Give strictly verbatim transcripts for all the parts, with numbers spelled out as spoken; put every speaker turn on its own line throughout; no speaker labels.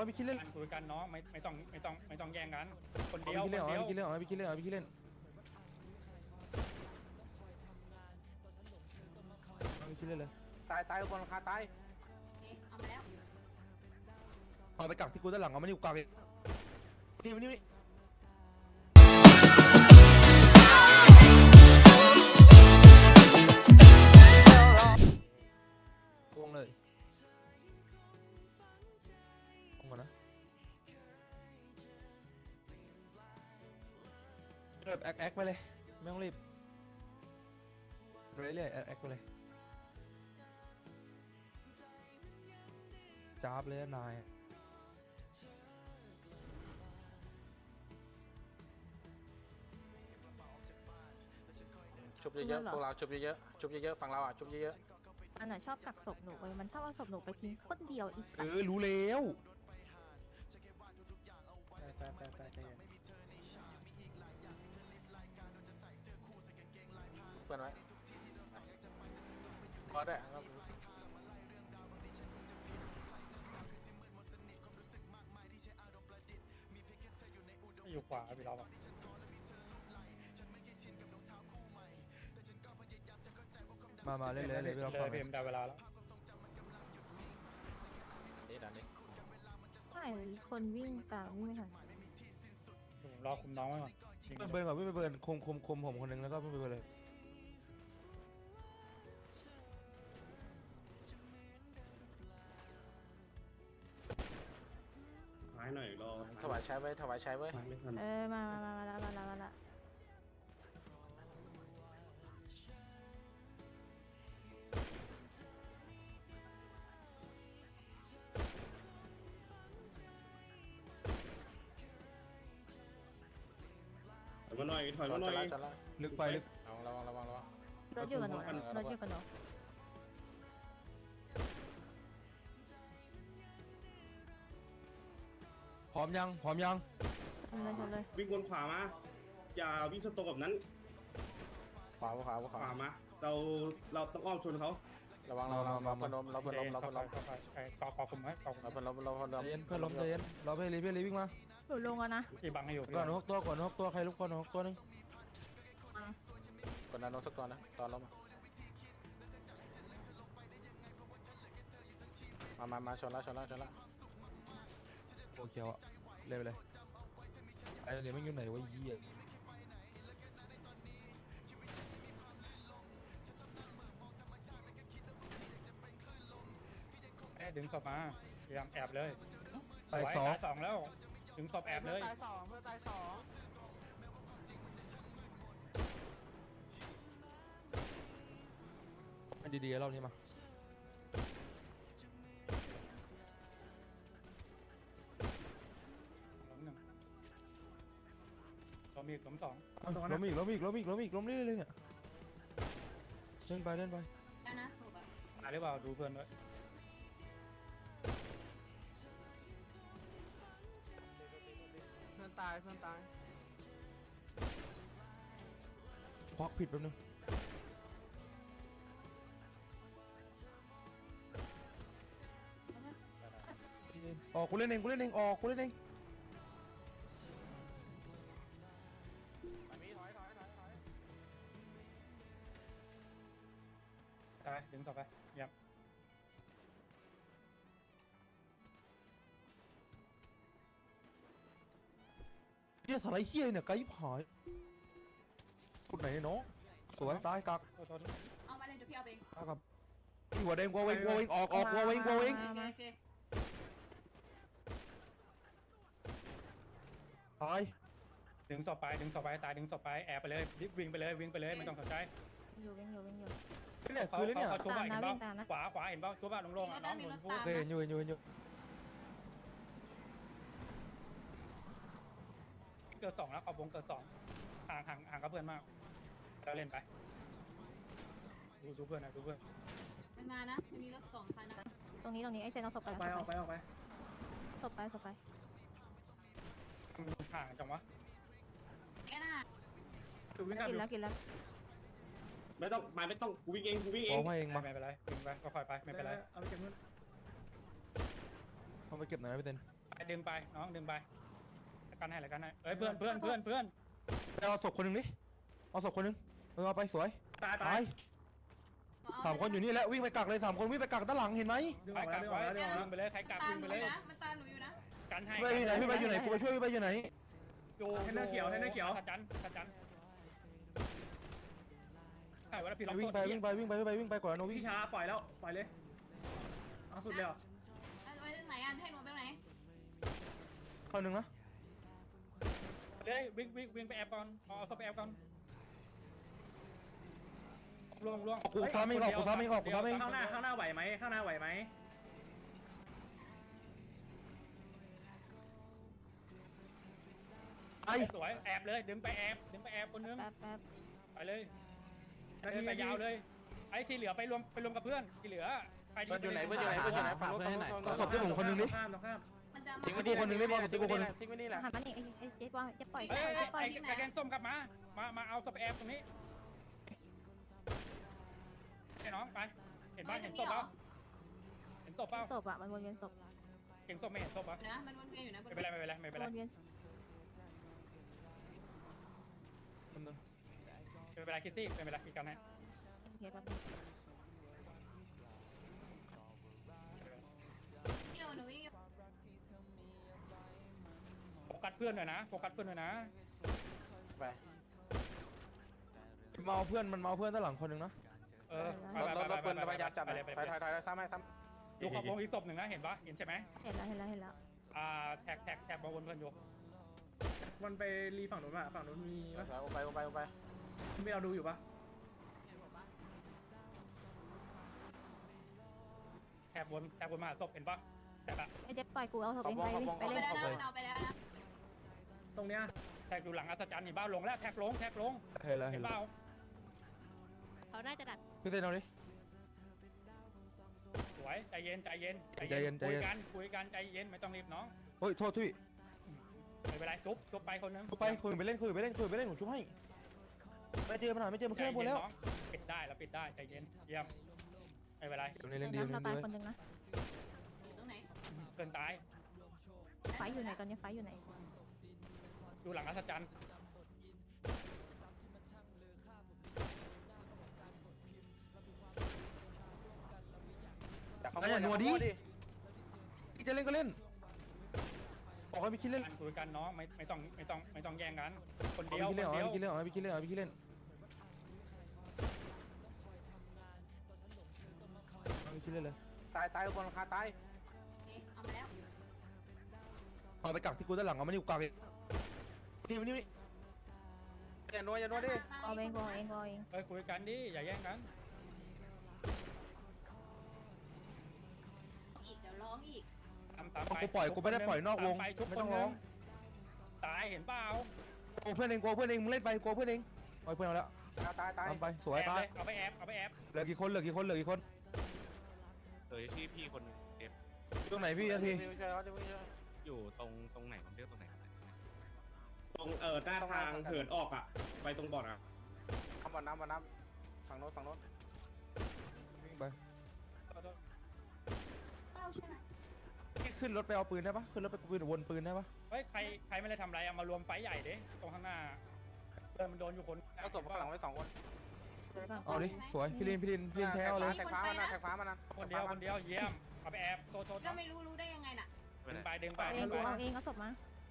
พี่คิดเล่น
คุยกันน้องไม่ไม่ต้องไม่ต้องไม่ต้องแย่งกันคนเดียว
พี่
คน
เล่น
เดียว
พี่คิดเล่นพี่คิดเล่นพี่คิดเล่นพี่คิดเล่นเลย
ตายตายคนราคาตาย
เอามาแล้ว
เอาไปกักที่กูด้านหลังเอามานี่กูกักเองนี่นี่นี่วงเลยวงก่อนนะเริ่มแอคแอคไปเลยไม่ต้องรีบเรื่อยๆแอคแอคไปเลยจ้าบเลยนาย
ชุบเยอะๆพวกเราชุบเยอะๆชุบเยอะๆฝั่งเราอ่ะชุบเยอะ
มันน่ะชอบกักศพหนูไปมันชอบเอาศพหนูไปทิ้งคนเดียวอีสั
เอ
ตว์
อรู้แล้ว
ไปไปไปไป
ๆเพื่อนไว้พอได้ครับ
อยู่ขวาพี่เราอะ
มามาเล่นเลยเลยพี่เรา
เล
ฟั
ย
ง
เพมได้เวลาแล้ว
นี่ด่านนี้
ใช่คนวิ่งตามวิ่งไม่ทัน
ผมรอคุมน้องไว้ก่อน
เบิร์นก่อนไม่ไปเบิร์นคุมคุมคุมผมคนหนึ่งแล้วก็ไม่ไปเบิร์นเลย
หายหน่อยรอ
ถวายใช้ไว้ถวายใช้ไว้
หายไม่ทัน
เออมามามามาแล้วมาแล้วมาแล้ว
ถอยมาหน่อยถอย
จ
มา
อด
หน่
จะ
อย
ละจะละ
ลึกไปลึก
ระวังระวังระวังระวัง
รถอยู่กับหนูรถอยู่กับหนู
พร้อมยังพร้อมยัง
ทำเลยทำเลย
วิ่งวนขวามาอย่าวิ่งชนตรงแบบนั้น
ขวาขวาข
ข
วาว
ามาเราเราต้องอ้อมชนเขา
ระวังระวังเราเพื่อนล้มเราเพื่อนล้มเรา
เข้า
เพื่อน
ไป
ล้ม
เข้าไปไอ้ต่อต่อคุมไว้ต่อคุม
เราเพื่อนล้มเราเพื่อน
ใจ
ล้ม
เย็นเพื่อนล้มใจเย็นเราไปรีบไปรีบวิ่งมา
หนูลงแล้วนะ
พี่บังให้อยู่
ก่อนหกตัวก่อนหกตัวใครลุกก่อนหกตัวนึง
กดดันลงสักตัวนะตอนล้มมามามาชนละชนละชนละ
โอเคอ่ะเล่นไปเลยไอ้เดี๋ยวมันอยู่ไหนวะยี่อ่ะ
แอบดึงศพมาพยายามแอบเลย
ตายสอง
สองแล้วดึงศพแอบเลย
ตายสองเพื่อนตายสอง
มันดีๆรอบนี้มา
ล้มหนึ่งล้มอีกล้มสอง
ล้มอีกล้มอีกล้มอีกล้มอีกล้มเรื่อยๆเลยเนี่ยเล่นไปเล่นไป
แล้วนะศพอะ
ตายหรือเปล่าดูเพื่อนด้วย
เพื่อนตายเพื่อนตาย
ควักผิดแป๊บนึงออกกูเล่นเองกูเล่นเองออกกูเล่นเอง
ตายดึงศพไปเยี่ยม
เฮียสไลด์เฮียเนี่ยไกด์หายกุดไหนเนาะสวยตายกัก
โทษโทษ
เอามาเลยเดี๋ยวพี่เอาไป
ตายกับหัวแดงกัวเวงกัวเวงออกออกกัวเวงกัวเวง
โอเคโอเค
ตาย
ดึงศพไปดึงศพไปตายดึงศพไปแอบไปเลยวิ่งไปเลยวิ่งไปเลยไม่ต้องสนใจ
อยู่วิ่งอยู่วิ่งอยู่
เนี่ย
เขา
คือเนี่ย
เขาชุบอะเห็นป่ะ
ตามนะวิ่งตามนะ
ขวาขวาเห็นป่ะชุบอะลงๆอะน้องหนุนพูด
โอเคเห็นอยู่เห็นอยู่เห็นอยู่
เกิดสองแล้วเอาวงเกิดสองห่างห่างห่างกับเพื่อนมากแล้วเล่นไปดูดูเพื่อนนะดูเพื่อน
มันมานะมีรถสองคันนะตรงนี้ตรงนี้ไอ้เจนเอาศพไป
ไปออกไปออกไป
ศพไปศพไป
ห่างจังวะ
แค่น่ะ
ดูวิ่งกัน
กิน
ดู
แล้วกินแล้ว
ไม่ต้องมาไม่ต้องกูวิ่งเองกูวิ่งเอ
ของ มาเองมา
ไม่เป็นไรวิ่งไปก็ค่อยไปไม่เป็นไร
เอาไปเก็บหน่อยนะพี่เต้น
ไปไปดึงไปน้องดึงไปแล้วกันให้แล้วกันให้เอ้ยเพื่อนเพื่อนเพื่อนเพื่อน
เอาศพคนหนึ่งดิเอาศพคนหนึ่งเออเอาไปสวย
ตาย
ตายสามคนอยู่นี่แหละวิ่งไปกักเลยสามคนวิ่งไปกักด้านหลังเห็นไหม
ไปกักไว้ดึงไปเลยใครกัก
ตา
ดึ
ม
ง
ห
ไป
นูอ
เลย
ยู่นะมันตามหนูอยู่นะ
กันให้
พี่ไปอยู่ไหนพี่ไปอยู่ไหนกูไปช่วยพี่ไปอยู่ไหน
อยู่เทนเนอร์เขียวเทนเนอร์เขียวขจันขจันใช่ว่าพี่ล็อก
วิ่งไปวิ่งไปวิ่งไปวิ่งไปวิ่งไปก่อนโนวิ่ง
พี่ช้าปล่อยแล้วปล่อยเลยเอาสุดเลยเหรอ
ไปไหนอ่ะให้หนูไปไหน
เข้าหนึ่งนะ
เลยวิ่งวิ่งวิ่งไปแอบก่อนเอาเอาไปแอบก่อนล่วงล่วง
กูทำเองออกกูทำเองออกกูทำเอง
ข้างหน้าข้างหน้าไหวไหมข้างหน้าไหวไหม
ไอ้
สวยแอบเลยดึงไปแอบดึงไปแอบคนนึง
แป๊บแป๊บ
ไปเลยเดินไปยาวเลยไอ้ที่เหลือไปรวมไปรวมกับเพื่อนที่เหลือใคร
เพื่อนอยู่ไหนเพื่อนอยู่ไหนเพื่อนอยู่ไหนฝั่งนู้นฝั่งนู้นฝั่งนู้น
ศพที่ผมคนหนึ่งดิ
ข้ามตรงข้าม
มันจะ
ทิ้ง
มา
ไว้นี่คนนึงได้บอลทิ้งไว้นี่แหละทิ้งไว้นี่แหละ
หันมานี่ไอ้ไอ้เจ๊บอลจะปล่อย
เอ้ย
จะปล่อย
ไอ้
ที่ไหน
ไอ้แกงส้มกลับมามามาเอาสเปรย์ตรงนี้ไอ้น้องไปเห็นบ้านเห็นศพเปล่าเห็นศพเปล่า
ศพอ่ะมันวนเวียนศพ
เห็นศพไม่เห็นศพปะ
นะมันวนเวียนอยู่นะ
ไม่เป็นไรไม่เป็นไรไม่เป็นไร
วนเวียน
ไม่เป็นไรคิตตี้ไม่เป็นไรคิดกันให้
เฮียแป๊บเดี๋ยวหนูวิ่ง
โฟกัสเพื่อนหน่อยนะโฟกัสเพื่อนหน่อยนะ
ไป
มาเอาเพื่อนมันมาเอาเพื่อนด้านหลังคนหนึ่งนะ
เออ
รถรถรถปืนพยายามจับเลยถอยถอยถอยซ้ำให้ซ้
ดูขอบวงอีกศพหนึ่งนะเห็นปะเห็นใช่ไหม
เห็นแล้วเห็นแล้วเห็นแล้ว
อ่าแท็กแท็กแท็กมาวนเพื่อนอยู่
มันไปรีฝั่งนู้นป่ะฝั่งนู้นมี
ำ
ปะ
ไปไปไปไป
ไม่เราดูอยู่ปะ
แท็กวนแท็กวนมาศพเห็นปะแท็กอะ
ไอ้เจ๊ปล่อยกูเอาศพเองไปเลยไป
ไป
เลย
ไป
เอาไปแล้วนะ
ตรงเนี้ย
แท็กอยู่หลังอัศจรรย์เห็นบ้าลงแล้วแท็กลงแท็กลง
เห็นแล้ว
เห็
เห็น
น
แล้
เป
ว
ล่า
เขาน่าจะดัก
พี่เต้นเอาดิ
สวยใจเย็นใจเย็น
ใจเย็นใจ
คุย
เย็น
กันคุยกันใจเย็นไม่ต้องรีบน้อง
เฮ้ยโทษทุย
ไม่เป็นไรจุ๊บจุ๊บไปคนนึง
ไปคุยไปเล่นคุยไปเล่นคุยไปเล่นผมช่วยให้ไม่เจอปัญหาไม่เจอมัน
ใจ
ขึ้นบน
เย็น
แล้ว
น้องปิดได้แล้วปิดได้ใจเย็นเยี่ยมไม่เป็นไร
เดี๋ยวนี้เล่นดีเล่น
น้ำ
ดี
ตาย
เลย
คนหนึ่งนะ
อยู่ตรงไหน
เกินตาย
ไฟอยู่ไหนตอนนี้ไฟอยู่ไหน
ดูหลังอัศจรรย์
จากข้างบนอย่านัวดิ
จะเล่นก็เล่นบอกให้พี่คิดเล่น
การคุยกันน้องไม่ไม่ต้องไม่ต้องไม่ต้องแย่งกันคน
เอา
เดียว
พี่
คน
เล่น
เดียว
เอาพี่คิดเล่นเอาพี่คิดเล่นเอาพี่คิดเล่นเอาพี่คิดเล่นเลย
ตายตายบนหลังคาตาย
เอามาแล้ว
เอาไปกักที่กูด้านหลังเอามานี่กูกักเองนี่มานี่นี่
อย่านัวอย่านัวดิ
เอาเองเอาเองเอาเอง
เฮ้ยคุยกันดิอย่าแย่งกัน
อีกเดี๋ยวร้องอีก
ตามตามไป
กูปล่อยกูไม่ได้ปล่อยนอกวง
ตามไปทุก
ไม่
ค
ต้
น
อง
นึ
ร้อง
งตายเห็นเปล่า
โอ้เพื่อนเองกูเพื่อนเองมึงเล่นไปกูเพื่อนเองเอาเพื่อนเอาแล้ว
ตายตาย
ทำไปสวย
แอบ
ตาย
เลยเอาไปแอบเอาไปแอบ
เหลือกี่คนเหลือกี่คนเหลือกี่คน
เอ้ยพี่พี่คนเก็บ
ตรงไหนพี่นาที
ไม่ใช่แล้วไม่ใช่
อยู่ตรงตรงไหนผมเรียกตรงไหนครับ
ตรงเออหน้าทางเหินออกอ่ะ ไปตรงบ่ออ่ะ
ทำบ่อน้ำบ่อน้ำฝั่งโน้นฝั่งโน้น
วิ่งไป
เป้าใช่ไหม
พี่ขึ้นรถไปเอาปืนได้ปะขึ้นรถไปปืนวนปืนได้ปะ
เฮ้ยใครใครไม่ได้ทำอะไรเอามารวมไฟใหญ่ดิตรงข้างหน้าเดินมันโดนอยู่คน
เอาศพข้างหลังไว้สองคน
เอาดิสวยพี่ลินพี่ลินพี่ลินแท้เอาเลย
แท็กฟ้ามันนะแท็กฟ้ามันนะ
คนเดียวคนเดียวเยี่ยมเอาไปแอบโซโซ
ก็ไม่รู้รู้ได้ยังไงน่ะ
ดึงไปดึงไป
เอาเอ
ดึ
ง
ง
กู
ไป
เอาเองเอาศพมา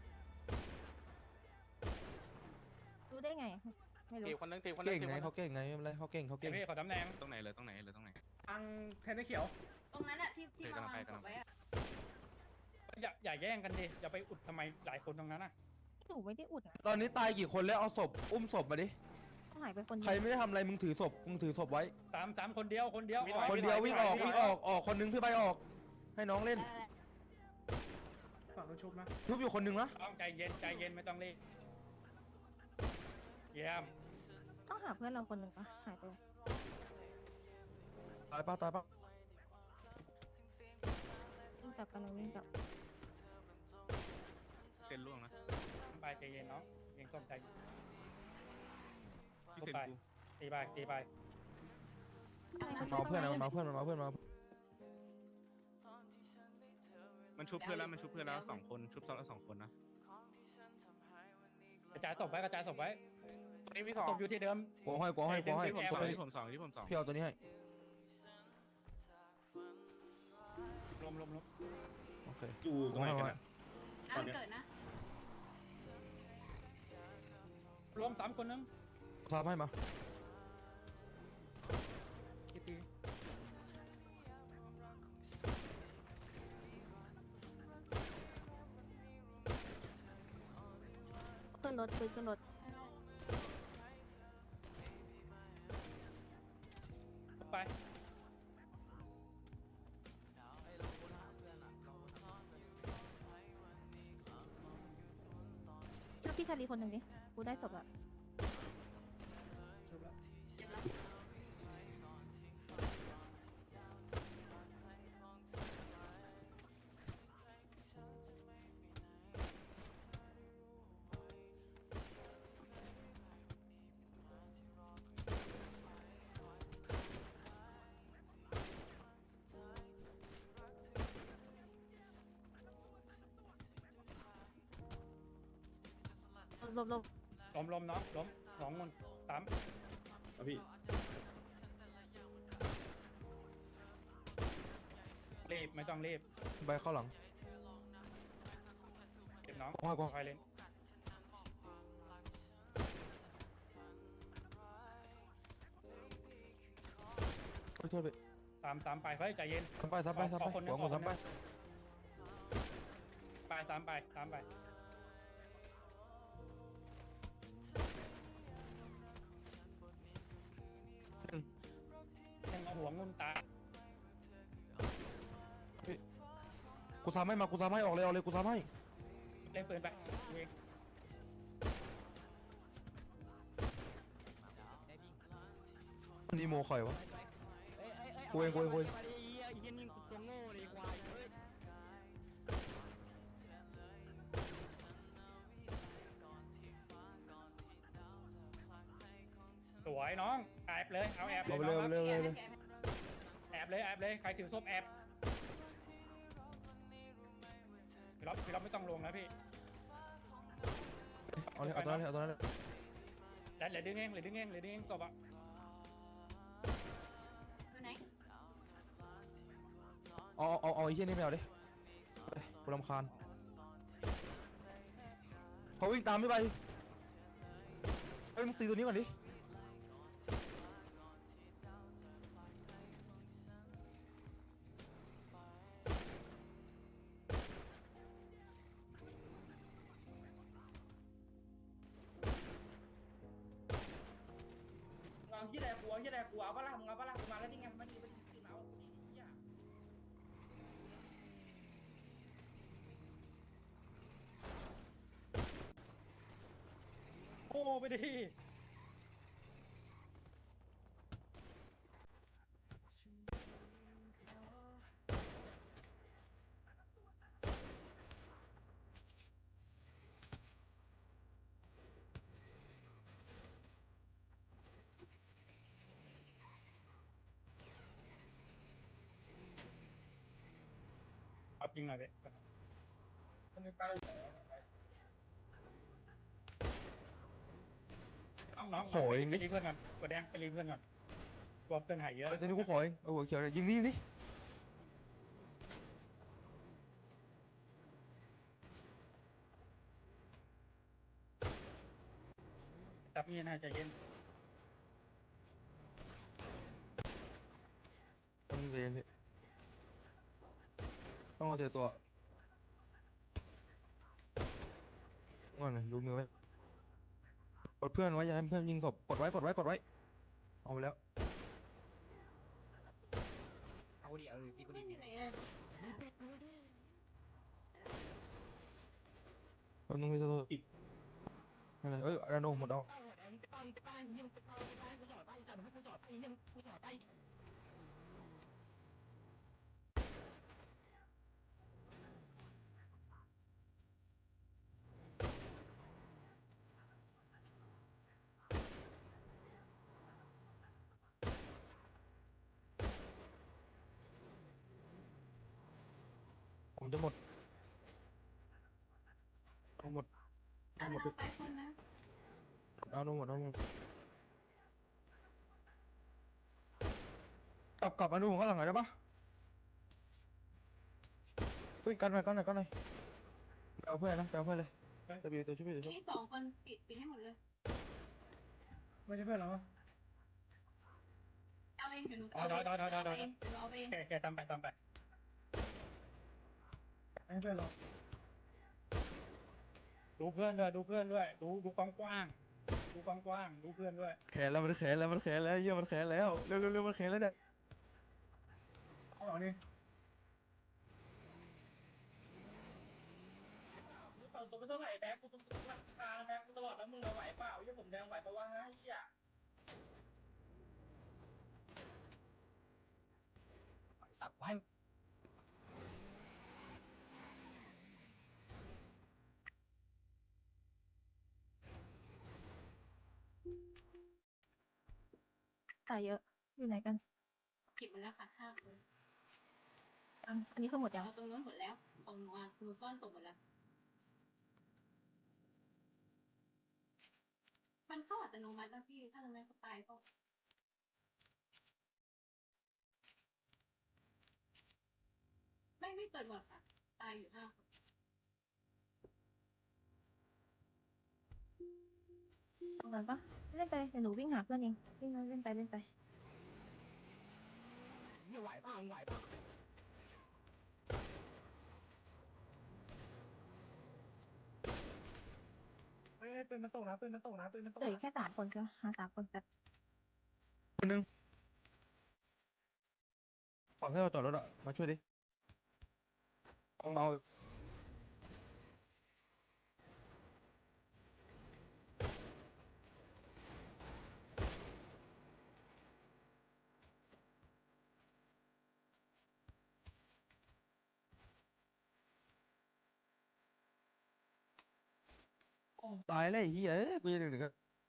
รู้ได้ไงไม่รู้
ตีคนนึงตีคนนึง
เก่ง
ตี
ไง
คนนึง
เขาเก่งไงไม่เป็นไรเขาเก่งเขา
เดี๋
เก่
ย
ง
วพี่ขอตำแหน่ง
ตรงไหนเลยตรงไหนเลยตรงไหน
ทางเทนนิสเขียว
ตรงนั้นอะที่ที่มาวางศพไว้อะ
อย่าอย่าแย่งกันดิอย่าไปอุดทำไมหลายคนตรงนั้นน่ะ
หนูไม่ได้อุดนะ
ตอนนี้ตายกี่คนแล้วเอาศพอุ้มศพมาดิ
ต้องหายไปคน
ใครไม่ได้ทำอะไรมึงถือศพมึงถือศพไว้
สามสามคนเดียวคนเดียว
คนเดียววิ่งออกวิ่งออกออกคนนึงพี่ใบออก ให้น้องเล่น
ได้
ฝั่งนู้นชุบนะ
ทุบอยู่คนนึงนะ
ต้องใจเย็นใจเย็นไม่ต้องรีบเยี่ยม
ต้องหาเพื่อนเราคนหนึ่งปะหายไป
ตายปะตายปะ
วิ่งกลับกันเราวิ่งกลับ
เป็นล่วงนะ
ไปใจเย็นเนาะเองต้องใจเย็น
พี่เซนกู
ตีไปตีไป
มันมาเอาเพื่อนนะมันมาเอาเพื่อนมันมาเอาเพื่อนมา
มันมันชุบเพื่อนแล้วมันชุบเพื่อนแล้วสองคนชุบซ้อนแล้วสองคนนะ
กระจายศพไว้กระจายศพไว้
นี่พี่สอง
ศพอยู่ที่เดิม
กูให้กูให้กูให้
เดี๋
ที่
ยว
ผม
เดี๋ยว
สองที่ผมสองที่ผมสอง
พี่เอาตัวนี้ให้
ลมลมลม
โอเค
อยู่ตรงไหนกันอะ
น้ำเกิดนะ
รวมสามคนนึง
กูทำให้มา
กี่ตี
ขึ้นรถคุยขึ้นรถ
ไป
ช่วยพี่ชาลีคนหนึ่งดิกูได้ศพอะ
ชุบแล้ว
เจ็บแล้ว
หลบหลบ
ล้มล้มเนาะล้มสองคนสาม
เอาพี่
รีบไม่ต้องรีบ
ใบเข้าหลัง
เก็บน้อง
กูให้กู
คอยเล่น
ขอโทษไป
ตามตามไปเฮ้ยใจเย็น
ซ้ำไปซ้ำไปซ้ำไป
ขอคนหนึ่
หั
ง
วหมด
ขอคนหนึ่
ซ้ำไป
ง ไปตามไปตามไปยังเอาหัวงุนตา
กูทำให้มากูทำให้ออกเลยออกเลยกูทำให้
เล่นปืนไปเอง
นีโมข่อยวะกูเองกูเองกูเอง
สวยน้องแอบเลยเอาแอบเล
เอา
ย
ไป
น้
เร็
อ
ว
ง
ไป
ครับ
เร็วเร็วเร็ว
แอบเลยแอบเลยใครถือส้มแอบพี่ล็อบพี่ล็อบไม่ต้องลงนะพี่
เอาเลยเอาตัวนั้นเลยเอาตัวนั้นเลย
แล้วเหลือดึงเองเหลือดึงเองเหลือดึงเองตบอ่ะ
อยู่ไหน
เอาเอาเอาไอ้เหี้ยนี่ไม่เอาดิไปกูรำคาญเขาวิ่งตามไม่ไปเฮ้ยมึงตีตัวนี้ก่อนดิ
เอาที่ไหนกูเอาที่ไหนกูเอาปะล่ะมึงเอาปะล่ะกูมาแล้วนี่ไงมันนี่มันนี่เอาเหี้ย
โอ้ไปดิเอาจริงหน่อยเด็
มันไม่ไป
น้องๆไปรีเพื่อนก่อนกดแดงไปรีเพื่อนก่อนกลัวเพื่อนหายเยอะ
เฮ้ยตัวนี้กูขอเองเอาหัวเขียวเลยยิงนี่ยิงนี่
จับมีดนะใจเย็น
ต้องเรียนพี่ต้องเอาเจอตัวก่อนเลยดูมือไว้กดเพื่อนไว้อย่าให้เพื่อนยิงศพกดไว้กดไว้กดไว้เอาไปแล้ว
เอาดิเอาดิพี่กูดิ
แป๊บนึงพี่โทษอะไรเอ้ยอาโนหมดเอาผมจะหมดเอาหมดเอาหมด
ไปคนนะ
เอาหมดเอาหมดกลับกลับมาดูผมข้างหลังหน่อยได้ปะเฮ้ยกันหน่อยกันหน่อยกันหน่อยไปเอาเพื่อนนะไปเอาเพื่อนเลยจะบีตัวช่วยบีตัวช่วย
ที่สองคนปิดปิดให้หมดเลย
ไม่ใช่เพื่อนเรา
เอาเองเดี๋ยวหนูเอาเองเอาเองเดี๋ยวเอาเอง
แกแกตามไปตามไป
ไม่ใช่เพื่อนเรา
ดูเพื่อนด้วยดูเพื่อนด้วยดูดูกว้างกว้างดูกว้างกว้างดูเพื่อนด้วย
แขนแล้วมันแขนแล้วมันแขนแล้วเยี่ยมันแขนแล้วเร็วเร็วเร็วมันแขนแล้วเนี่ย
เอาเอานี่
มึงเปิดตัวไม่เท่าไหร่แบ็คกูต้องตัวกลางแบ็คกูตลอดแล้วมึงเอาไหวเปล่ายี่ผมแดงไหวปะวะเฮีย
สักไว้
ตายเยอะอยู่ไหนกัน
ปิดหมดแล้วค่ะห้าคน
อันอันนี้คือหมดยัง
เอาตรงนู้นหมดแล้วตรงนู้นมือก้อนส่งหมดแล้วมันเข้าอัตโนมัติแล้วพี่ถ้าทำไมก็ตายก็ไม่ไม่เปิดหมดค่ะตายอยู่ห้าคน
ตรงนั้นปะเล่นไปเดี๋ยวหนูวิ่งหาเพื่อนเองวิ่งเล่นไปเล่นไป
ไม่ไหวป่ะไหวป่ะเฮ้ยปืนมันตกนะปืนมันตกนะปืนมันตก
เหลืออีกแค่สามคนก็หาสามคนแบบ
คนหนึงฝั่งที่เราจอดรถอะมาช่วยดิเอาเอาตายแล้วไอ้เหี้ยเอ้ยกูจะดึงถึงกัน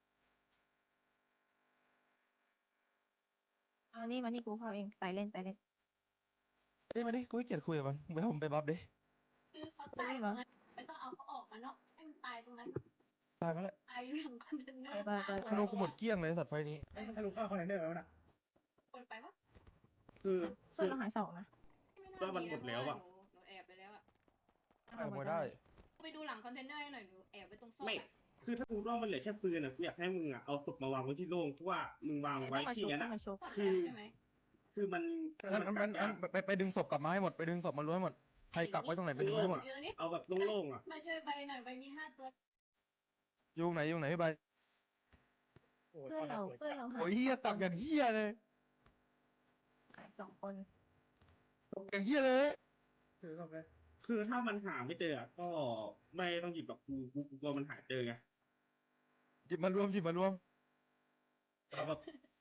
เอานี่มานี่กูเข้าเองไปเล่นไปเล่น
เอ้ยมาดิกูขี้เกียจคุยกับมันไปผมไปบัฟดิ
คือเขาตายตรงนั้นไม่ต้องเอาเขาออกมาเนาะให้มันตายตรงนั้น
ตายมาแล้ว
ตายอยู่หลังคอนเทนเนอ
ไป
ร์
ไปไป
ธนูกูหมดเกลี้ยงเลยสัตว์ไฟนี้
เฮ้ยมันทะลุเข้าคอนเทนเนอร์แล้วนะ
คนไปวะ
คือ
เพื่อนเราหายสองนะ
ว่ามันหมดแล้วอะ
หนูแอบไปแล้วอะ
เอาหมดได้
ไปดูหลังคอนเทนเนอร์ให้หน่อยหนูแอบไปตรงซอก
ไม่
อะ
คือถ้ากูว่ามันเหลือแค่ปืนอ่ะกูอยากให้มึงอ่ะเอาศพมาวางไว้ที่โล่งเพราะว่ามึงวางไว้
ต้องมา
ที่
ชุบ
นั้น
ต้อง
อะ
มาชุบ
คือ
ใช่ไหม
คือมัน
อันอันอันอันไปไปดึงศพกลับมาให้หมดไปดึงศพมาล้วนให้หมดใครกักไว้ตรงไหนไปดึงให้หมด
อยู่ตรงนี้
เอาแบบโล่งๆอ่ะ
มาช่วยใบหน่อยใบมีห้าตัว
อยู่ไหนอยู่ไหนพี่ใบ
โอ้ย
เพื่อนเราเพื่อนเราหาย
โอ้ยเฮียตักอย่างเฮียเลย
หายสองคน
ตักอย่างเฮียเลย
ถือเข้าไป
คือถ้ามันหาไม่เจออะก็ไม่ต้องหยิบแบบกูกูกูกลัวมันหาเจอไง
หยิบมารวมหยิบมารวม
เอาแบบ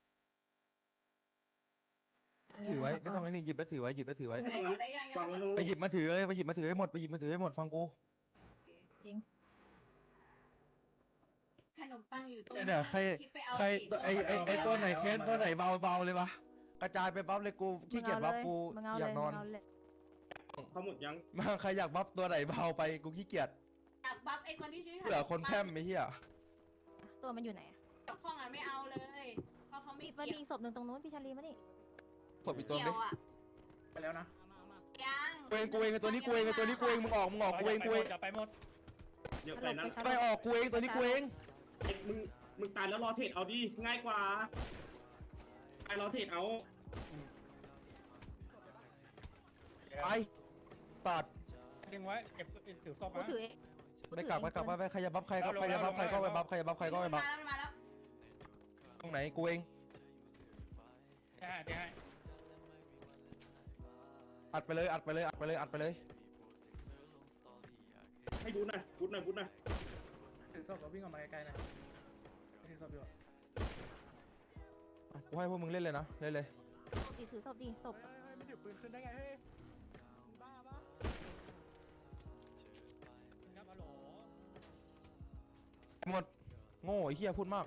ถือไว้ไม่ต้องไอ้นี่หยิบแล้วถือไว้หยิบแล้วถือไว้
ไหนได้ยัง
วางไว้
ยัง
โล่ง
ไปหยิบมาถือเลยไปหยิบมาถือให้หมดไปหยิบมาถือให้หมดฟังกู
ขนมปังอยู่ตรง
เนี่ยใคร
คิดไปเอา
ใคร
สิ
ไอไอไอตัวไหนแค้นตัวไหนเบาเบาเลยวะกระจายไปบัฟเลยกูขี้เกียจบัฟกู
มึงเอา
อ
เลย
ยากนอน
มึงเอาเลย
ๆเขาหมดยัง
มาใครอยากบัฟตัวไหนเบาไปกูขี้เกียจ
อยากบัฟไอ้คนที่ชื่อ
เผื่อคนแพร่มไม่เฮีย
ตัวมันอยู่ไหนอะ
กับข้องอ่ะไม่เอาเลยเขาเขาไม่
มีมันมี
เกี่ยว
อีกศพหนึ่งตรงนู้นพี่ชาลีมานี่
ศพอีกตัว
เกี่
ไหม
ยวอ่ะ
ไปแล้วนะ
ยัง
กูเองกูเองไอ้ตัวนี้กูเองไอ้ตัวนี้กูเองมึงออกมึงออกกูเองกูเอง
จะไปหมด
เดี๋ยว
ฮัล
ไป
โหล
นั้น
ไปชา
ไป
ลี
ออกกูเองตัวนี้กูเอง
ไอ้มึงมึงตายแล้วรอเทรดเอาดิง่ายกว่าตายรอเทรดเอา
ไปตัด
ดึงไว้เก็บถือศพ
กู
มา
ถือเอง
ไปกลับไปกลับไปไปใครจะบัฟใครก็ใครจะบัฟใครก็ไปบัฟใครจะบัฟใครก็ไปบั
มา
ฟ
แล้วมาแล้ว
ตรงไหนกูเอง
เดี๋ยวให้เดี๋ยวให้
อัดไปเลยอัดไปเลยอัดไปเลยอัดไปเลย
ให้ดูหน่อยพูดหน่อยพูดหน่อย
ถือศพแล้ววิ่งออกมาไกลๆนะถือศพอยู่อะ
อ่ะกูให้พวกมึงเล่นเลยนะเล่นเลย
ศพดิถือศพดิศพ
เฮ้ยมันหยิบปืนขึ้นได้ไงเฮ้ยมึงบ้าปะ
ครับฮัลโหล
หมดโง่ไอ้เหี้ยพูดมาก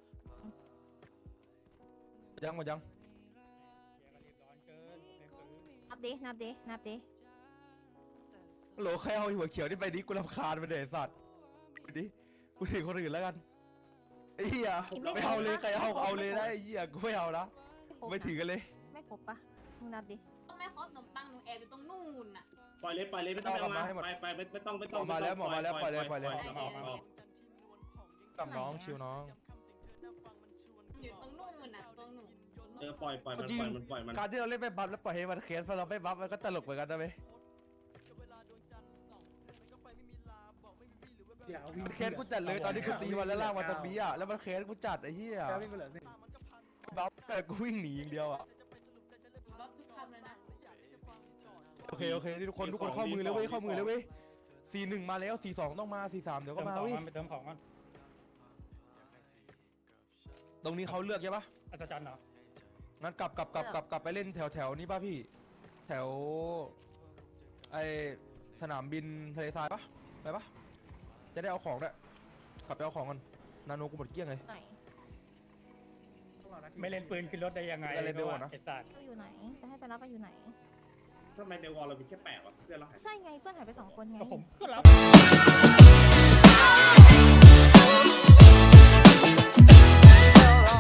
ยังหมดยัง
เสียกันรีบร้อนเกินเล่นซื้อ
นับดินับดินับดิ
โหลใครเอาหัวเขียวนี่ไปดิกูรำคาญไปเดไอ้สัตว์
น
ดิกูถึงคนอื่นแล้วกันไอ้เหี้ย
อีกไม่
ไม่เอาเลย
ครบ
ใครเอา
ไม่ครบ
เอาเลยนะไอ้เหี้ยกูไม่เอานะ
ครบ
ไม่ถือกันเลย
ไม่ครบปะมึงนับดิ
ต้องไม่ครบขนมปังหนูแอบอยู่ตรงนู่นน่ะ
ปล่อยเลยปล่อยเลยไม่ต้อง
เอากลับ
มา
มาให้หมด
ไปไปไม่ไม่ต้องไม่
ห
ต้
ม
อง
อมาแล้วหมอมาแล้วปล่อยเลยปล่อยเลย
ออกออก
กับน้องชิวน้อง
อยู่ตรงนู่นน่ะตรงหนู
เออปล่อยปล่อยมัน
จริง
ปล่อยมันปล่อยมัน
การที่เราเล่นไม่บัฟแล้วปล่อยให้มันเคสพอเราไม่บัฟมันก็ตลกเหมือนกันนะเว้ย
เดี๋ยววิ่ง
มันเคสกูจัดเลยตอนนี้คือตีมันแล้วลากมาตรงนี้อ่ะแล้วมันเคสกูจัดไอ้เหี้ย
แค่วิ่งไปเหลือหนึ่ง
บัฟแต่กูวิ่งหนีอย่างเดียวอ่ะ
รถทุกคันเลยนะ
โอเคโอเคนี่ทุกคนทุกคนเข้ามือเลยเว้ยเข้ามือเลยเว้ยสี่หนึ่งมาแล้วสี่สองต้องมาสี่สามเดี๋ยว
เติ
ก็
ม
มา
ของ
เว้ย
มันไปเติมของมัน
ตรงนี้เขาเลือกใช่ปะ
อัศจรรย์เหรอ
งั้นกลับกลับกลับกลับกลับไปเล่นแถวแถวนี้ป่ะพี่ แถวไอสนามบินทะเลทรายปะไปปะจะได้เอาของด้วยกลับไปเอาของกันนาโนกูหมดเกลี้ยงเลย
ไหน
ต้องรอนาที
ไม่เล่นปืนขึ้นรถได้ยังไง
อะไรเบลอะนะ
ไอ้สัตว์
ก็อยู่ไหน จะให้ไปรับไปอยู่ไหน
ทำไมในวอลเรามีแค่แปดวะเพื่อนเราหาย
ใช่ไงเพื่อนหายไปสองคนไง
ก็ผมก็รับ